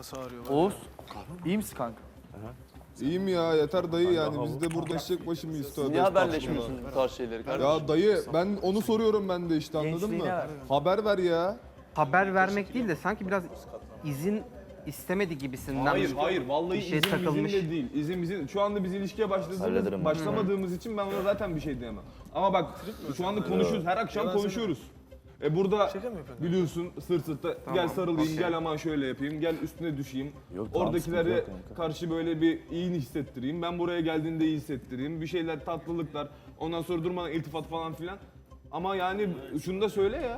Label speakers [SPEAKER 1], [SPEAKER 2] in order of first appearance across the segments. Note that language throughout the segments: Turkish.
[SPEAKER 1] nasıl ağrıyor?
[SPEAKER 2] Oğuz, iyi misin kanka?
[SPEAKER 3] İyiyim ya yeter dayı yani biz de burada eşek başı mıyız
[SPEAKER 2] Siz
[SPEAKER 3] tövbe
[SPEAKER 2] niye
[SPEAKER 3] estağfurullah.
[SPEAKER 2] haberleşmiyorsunuz bu tarz şeyleri kardeşim?
[SPEAKER 3] Ya dayı ben onu soruyorum ben de işte anladın mı?
[SPEAKER 4] Gençliğine ver.
[SPEAKER 3] Haber ver ya.
[SPEAKER 5] Haber vermek değil de sanki biraz izin istemedi gibisinden.
[SPEAKER 6] Hayır vallahi
[SPEAKER 5] bir şey
[SPEAKER 6] izin
[SPEAKER 5] takılmış.
[SPEAKER 6] bizim de değil. İzin şu anda biz ilişkiye başlamadığımız için ben ona zaten bir şey diyemem. Ama bak şu anda konuşuyoruz her akşam konuşuyoruz. Burada biliyorsun sırt sırta gel sarılayım, gel aman şöyle yapayım, gel üstüne düşeyim. Oradakilere karşı böyle bir iyi hissettireyim. Ben buraya geldiğinde iyi hissettireyim. Bir şeyler tatlılıklar, ondan sonra durmadan iltifat falan filan. Ama yani şunu da söyle ya.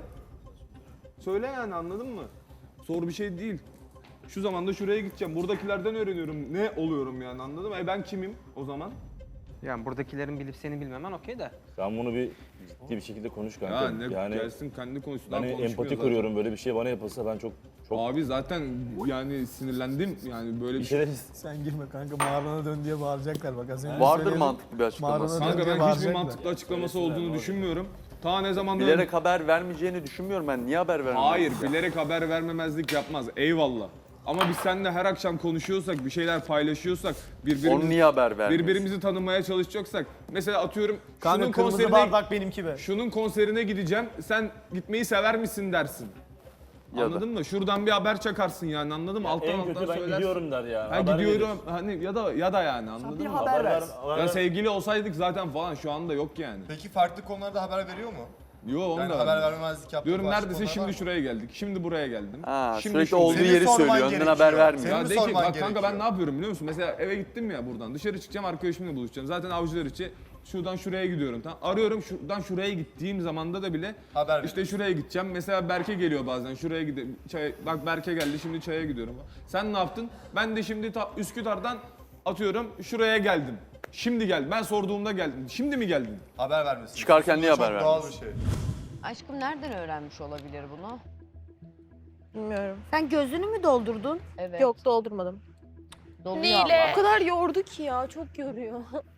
[SPEAKER 6] Söyle yani anladın mı? Zor bir şey değil. Şu zamanda şuraya gideceğim. Buradakilerden öğreniyorum. Ne oluyorum yani anladın mı? Ben kimim o zaman?
[SPEAKER 5] Yani buradakilerin bilip seni bilmemen okey de.
[SPEAKER 7] Sen bunu bir ciddi bir şekilde konuş kanka.
[SPEAKER 3] Ya ne
[SPEAKER 7] yani
[SPEAKER 3] gelsin kendi konuşsun.
[SPEAKER 7] ben empati kuruyorum, böyle bir şey bana yapılsa ben çok
[SPEAKER 3] Abi zaten yani sinirlendim yani böyle
[SPEAKER 7] bir
[SPEAKER 3] bir şey.
[SPEAKER 7] şeyler
[SPEAKER 4] Sen girme kanka, mağarana dön diye bağıracaklar bak az önce
[SPEAKER 2] Vardır
[SPEAKER 4] söyledim.
[SPEAKER 2] mantıklı bir açıklaması.
[SPEAKER 4] Mağarana dön
[SPEAKER 3] Kanka
[SPEAKER 4] diye
[SPEAKER 3] ben hiçbir
[SPEAKER 4] bağıracaklar.
[SPEAKER 3] mantıklı açıklaması olduğunu düşünmüyorum. Ta ne zamandan...
[SPEAKER 2] Bilerek haber vermeyeceğini düşünmüyorum ben. Niye haber vermez?
[SPEAKER 3] Hayır, bilerek haber vermemezlik yapmaz. Eyvallah. Ama biz seninle her akşam konuşuyorsak, bir şeyler paylaşıyorsak,
[SPEAKER 2] Onu niye haber vermez?
[SPEAKER 3] birbirimizi tanımaya çalışacaksak, mesela atıyorum
[SPEAKER 4] Kanka
[SPEAKER 3] şunun
[SPEAKER 4] kırmızı
[SPEAKER 3] konserine,
[SPEAKER 4] bardak benimki be.
[SPEAKER 3] şunun konserine gideceğim, sen gitmeyi sever misin dersin.
[SPEAKER 2] Ya da.
[SPEAKER 3] Anladın mı? Şuradan bir haber çakarsın yani anladın mı? Alttan
[SPEAKER 7] en
[SPEAKER 3] alttan
[SPEAKER 7] kötü ben
[SPEAKER 3] söylersin.
[SPEAKER 7] gidiyorum der ya.
[SPEAKER 3] Ha
[SPEAKER 7] haber
[SPEAKER 3] gidiyorum
[SPEAKER 7] verir.
[SPEAKER 3] hani ya da yani anladın mı?
[SPEAKER 4] haber ver.
[SPEAKER 3] Ya sevgili olsaydık zaten falan şu anda yok yani.
[SPEAKER 8] Peki farklı konularda haber veriyor mu?
[SPEAKER 3] Yo onu
[SPEAKER 8] Yani
[SPEAKER 3] da
[SPEAKER 8] haber
[SPEAKER 3] vermez.
[SPEAKER 8] vermemezlik yaptığı
[SPEAKER 3] Diyorum
[SPEAKER 8] başka
[SPEAKER 3] neredeyse
[SPEAKER 8] konular var
[SPEAKER 3] şimdi
[SPEAKER 8] mı?
[SPEAKER 3] şuraya geldik. Şimdi buraya geldim.
[SPEAKER 2] Ha,
[SPEAKER 3] Şimdi
[SPEAKER 2] sürekli
[SPEAKER 3] şurada.
[SPEAKER 2] olduğu
[SPEAKER 8] Senin
[SPEAKER 2] yeri
[SPEAKER 8] sorman
[SPEAKER 2] söylüyor, önden haber
[SPEAKER 8] gerekiyor.
[SPEAKER 2] vermiyor.
[SPEAKER 8] Senin
[SPEAKER 3] Ya
[SPEAKER 8] mi
[SPEAKER 3] de ki
[SPEAKER 8] sorman
[SPEAKER 3] bak kanka ben
[SPEAKER 8] gerekiyor?
[SPEAKER 3] ne yapıyorum biliyor musun? Mesela eve gittim ya buradan. Dışarı çıkacağım arkadaşımla buluşacağım. Zaten avcılar içi şuradan şuraya gidiyorum. Tamam. Arıyorum şuradan şuraya gittiğim zamanda da bile
[SPEAKER 8] Haber
[SPEAKER 3] işte şuraya gideceğim. Mesela Berke geliyor bazen. Şuraya gideyim. Bak Berke geldi şimdi çaya gidiyorum. Sen ne yaptın? Ben de şimdi Üsküdar'dan atıyorum şuraya geldim. Şimdi geldim. Ben sorduğumda geldin. Şimdi mi geldin?
[SPEAKER 8] Haber vermesin.
[SPEAKER 2] Çıkarken niye
[SPEAKER 8] Çok
[SPEAKER 2] haber
[SPEAKER 8] doğal
[SPEAKER 2] vermez?
[SPEAKER 8] bir şey.
[SPEAKER 9] Aşkım nereden öğrenmiş olabilir bunu?
[SPEAKER 10] Bilmiyorum. Sen gözünü mü doldurdun?
[SPEAKER 9] Evet.
[SPEAKER 10] Yok, doldurmadım.
[SPEAKER 9] Doluyor
[SPEAKER 10] Neyle?
[SPEAKER 9] ama.
[SPEAKER 10] O kadar yordu ki ya, çok yoruyor.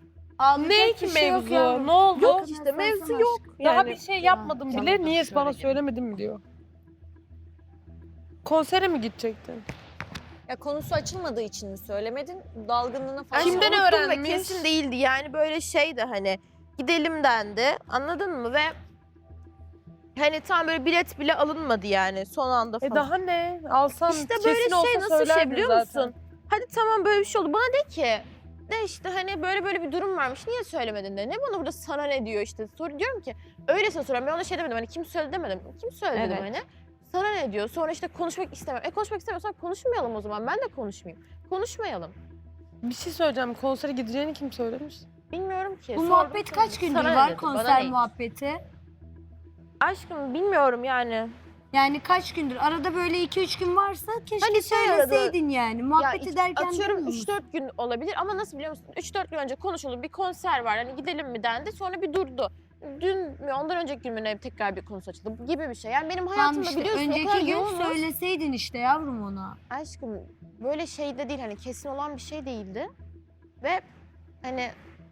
[SPEAKER 11] Ne ki mevzu? Ne oldu?
[SPEAKER 10] Yok işte, mevzu yok.
[SPEAKER 11] Daha bir şey yapmadım
[SPEAKER 9] Tamam,
[SPEAKER 11] bile. Niye bana
[SPEAKER 9] söyledim.
[SPEAKER 11] söylemedin mi diyor. Konsere mi gidecektin?
[SPEAKER 12] Ya konusu açılmadığı için mi söylemedin? Dalgınlığına falan.
[SPEAKER 11] Kimden
[SPEAKER 10] unuttum ve
[SPEAKER 11] öğrenmiş?
[SPEAKER 10] kesin değildi yani, böyle şeydi hani gidelim dendi, anladın mı? Ve hani tam böyle bilet bile alınmadı yani son anda falan.
[SPEAKER 11] Daha ne? Alsan
[SPEAKER 10] İşte
[SPEAKER 11] kesin
[SPEAKER 10] böyle
[SPEAKER 11] olsa
[SPEAKER 10] şey nasıl şey
[SPEAKER 11] söylerdin
[SPEAKER 10] biliyor
[SPEAKER 11] zaten.
[SPEAKER 10] musun? Hadi tamam böyle bir şey oldu. Bana de ki de işte hani böyle bir durum varmış. Niye söylemedin de. Ne bana burada sana ne diyor işte. Diyorum ki öylesine soruyorum. Ben ona şey demedim. Hani kim söyledi demedim. Kim söyledi dedim
[SPEAKER 9] Evet.
[SPEAKER 10] hani. Sana ne diyor? Sonra işte konuşmak istemem. Konuşmak istemiyorsan konuşmayalım o zaman. Ben de konuşmayayım. Konuşmayalım.
[SPEAKER 11] Bir şey söyleyeceğim. Konsere gideceğini kim söylemiş?
[SPEAKER 10] Bilmiyorum ki.
[SPEAKER 13] Bu
[SPEAKER 10] Sordum
[SPEAKER 13] muhabbet
[SPEAKER 10] sonra.
[SPEAKER 13] kaç gündür
[SPEAKER 10] Sana ne
[SPEAKER 13] var,
[SPEAKER 10] dedi, bana
[SPEAKER 13] konser
[SPEAKER 10] ne?
[SPEAKER 13] muhabbeti?
[SPEAKER 10] Aşkım bilmiyorum yani.
[SPEAKER 13] Yani kaç gündür? Arada böyle 2-3 gün varsa keşke
[SPEAKER 10] Hani şey arada-
[SPEAKER 13] söyleseydin yani. Muhabbet ederken
[SPEAKER 10] atıyorum
[SPEAKER 13] değil mi?
[SPEAKER 10] 3-4 gün olabilir ama nasıl biliyor musun? 3-4 gün önce konuşuldu, bir konser var, hani gidelim mi dendi, sonra bir durdu. Dün mü ondan önceki gün mü ne tekrar bir konusu açıldı gibi bir şey. Yani benim
[SPEAKER 13] Tamam
[SPEAKER 10] hayatımda
[SPEAKER 13] işte
[SPEAKER 10] biliyorsun o kadar
[SPEAKER 13] önceki gün
[SPEAKER 10] yoğunuz.
[SPEAKER 13] söyleseydin işte yavrum ona.
[SPEAKER 10] Aşkım böyle şey de değil, hani kesin olan bir şey değildi. Ve hani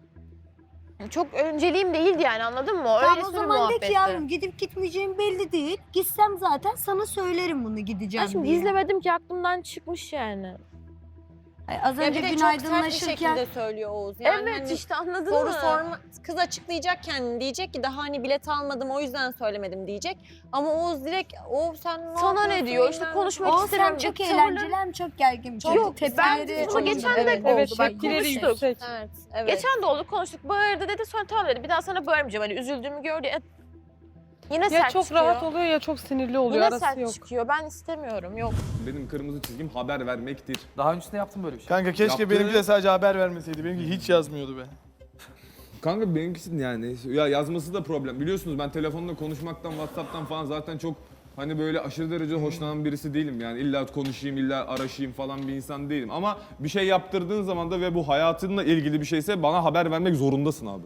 [SPEAKER 10] çok önceliğim değildi yani, anladın mı?
[SPEAKER 13] Tamam
[SPEAKER 10] Öyle
[SPEAKER 13] o
[SPEAKER 10] bir
[SPEAKER 13] zaman de
[SPEAKER 10] muhabbetti.
[SPEAKER 13] ki yavrum gidip gitmeyeceğim belli değil. Gitsem zaten sana söylerim bunu gideceğim
[SPEAKER 10] Aşkım
[SPEAKER 13] diye.
[SPEAKER 10] gizlemedim ki, aklımdan çıkmış yani.
[SPEAKER 13] Ay, az
[SPEAKER 12] Ya
[SPEAKER 13] önce
[SPEAKER 12] bir de
[SPEAKER 13] gün
[SPEAKER 12] çok sert bir
[SPEAKER 13] aydınlaşırken
[SPEAKER 12] şekilde söylüyor Oğuz. Yani
[SPEAKER 10] evet
[SPEAKER 12] hani
[SPEAKER 10] işte anladın
[SPEAKER 12] soru
[SPEAKER 10] mı?
[SPEAKER 12] sorma, kız açıklayacak kendini, diyecek ki daha hani bilet almadım o yüzden söylemedim diyecek. Ama Oğuz direkt sen ne
[SPEAKER 10] Sana ne
[SPEAKER 12] yapıyorsun
[SPEAKER 10] diyor? İşte
[SPEAKER 12] bilmem ne.
[SPEAKER 10] konuşmak
[SPEAKER 13] o sen
[SPEAKER 10] istemiyorum.
[SPEAKER 13] çok
[SPEAKER 10] Tavırları-
[SPEAKER 13] eğlenceli hem çok gergin. Çok
[SPEAKER 10] Yok, ben
[SPEAKER 13] tepkileri
[SPEAKER 10] bunu
[SPEAKER 13] çok
[SPEAKER 10] geçen de
[SPEAKER 13] evet.
[SPEAKER 10] oldu.
[SPEAKER 11] Evet,
[SPEAKER 10] Bak
[SPEAKER 11] tepkileri
[SPEAKER 10] konuştuk.
[SPEAKER 11] yüksek.
[SPEAKER 12] Evet, evet.
[SPEAKER 10] Geçen de oldu, konuştuk, bağırdı dedi, sonra tamam dedi, bir daha sana bağırmayacağım, hani üzüldüğümü gördü. Yine
[SPEAKER 11] Ya
[SPEAKER 10] sert
[SPEAKER 11] çok
[SPEAKER 10] çıkıyor.
[SPEAKER 11] rahat oluyor ya çok sinirli oluyor.
[SPEAKER 10] Yine
[SPEAKER 11] Arası
[SPEAKER 10] sert
[SPEAKER 11] yok.
[SPEAKER 10] çıkıyor, ben istemiyorum, yok.
[SPEAKER 3] Benim kırmızı çizgim haber vermektir.
[SPEAKER 2] Daha öncesinde yaptın böyle bir şey.
[SPEAKER 4] Kanka keşke
[SPEAKER 3] Yaptığı-
[SPEAKER 4] benimki de sadece haber vermeseydi. Benimki hiç yazmıyordu be.
[SPEAKER 3] Kanka benimkisi yani ya yazması da problem. Biliyorsunuz ben telefonla konuşmaktan, WhatsApp'tan falan zaten çok hani böyle aşırı derece hoşlanan birisi değilim. Yani illa konuşayım, illa araşayım falan bir insan değilim. Ama bir şey yaptırdığın zaman da ve bu hayatınla ilgili bir şeyse bana haber vermek zorundasın abi.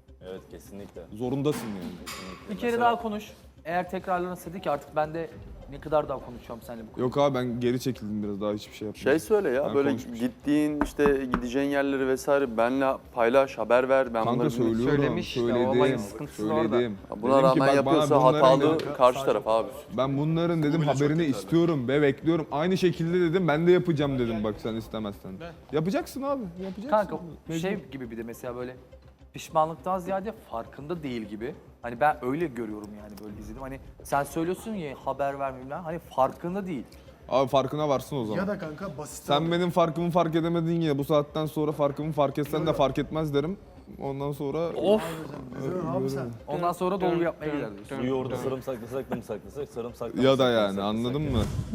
[SPEAKER 7] Evet kesinlikle.
[SPEAKER 3] Zorundasın yani.
[SPEAKER 2] Bir kere daha konuş. Eğer tekrarlanırsa de ki artık ben de
[SPEAKER 1] Ne kadar daha konuşacağım seninle bu konuda?
[SPEAKER 3] Yok abi ben geri çekildim biraz daha hiçbir şey yapmadım.
[SPEAKER 2] Şey söyle ya
[SPEAKER 3] Ben
[SPEAKER 2] böyle
[SPEAKER 3] konuşmuş.
[SPEAKER 2] gittiğin işte gideceğin yerleri vesaire benle paylaş, haber ver. Ben
[SPEAKER 3] Kanka
[SPEAKER 2] bunları
[SPEAKER 3] söylüyorum,
[SPEAKER 5] Söylemiş işte, o olayın sıkıntısı da orada.
[SPEAKER 3] söyledim.
[SPEAKER 2] Buna
[SPEAKER 3] Dedim ki
[SPEAKER 2] rağmen
[SPEAKER 3] bak bana
[SPEAKER 2] yapıyorsa
[SPEAKER 3] bunların
[SPEAKER 2] hatalı
[SPEAKER 3] dedim-
[SPEAKER 2] karşı taraf abi.
[SPEAKER 3] Ben bunların dedim haberini istiyorum ve bekliyorum. Aynı şekilde dedim ben de yapacağım dedim bak sen istemezsen. Yapacaksın abi, yapacaksın.
[SPEAKER 1] Kanka
[SPEAKER 3] Mecbur.
[SPEAKER 1] şey gibi bir de mesela böyle pişmanlıktan ziyade farkında değil gibi. Hani ben öyle görüyorum yani böyle izledim. Hani sen söylüyorsun ya haber vermeyeyim lan. Hani farkında değil.
[SPEAKER 3] Abi farkına varsın o zaman.
[SPEAKER 8] Ya da kanka basit.
[SPEAKER 3] Sen benim farkımı fark edemedin ya bu saatten sonra farkımı fark etsen de fark etmez derim. Ondan sonra...
[SPEAKER 1] Of!
[SPEAKER 8] Abi sen.
[SPEAKER 1] Ondan sonra dolgu yapmaya gider diyorsun.
[SPEAKER 7] Suyu orada sarımsaklasak da mı saklasak? Sarımsaklasak
[SPEAKER 3] Ya da yani anladın mı?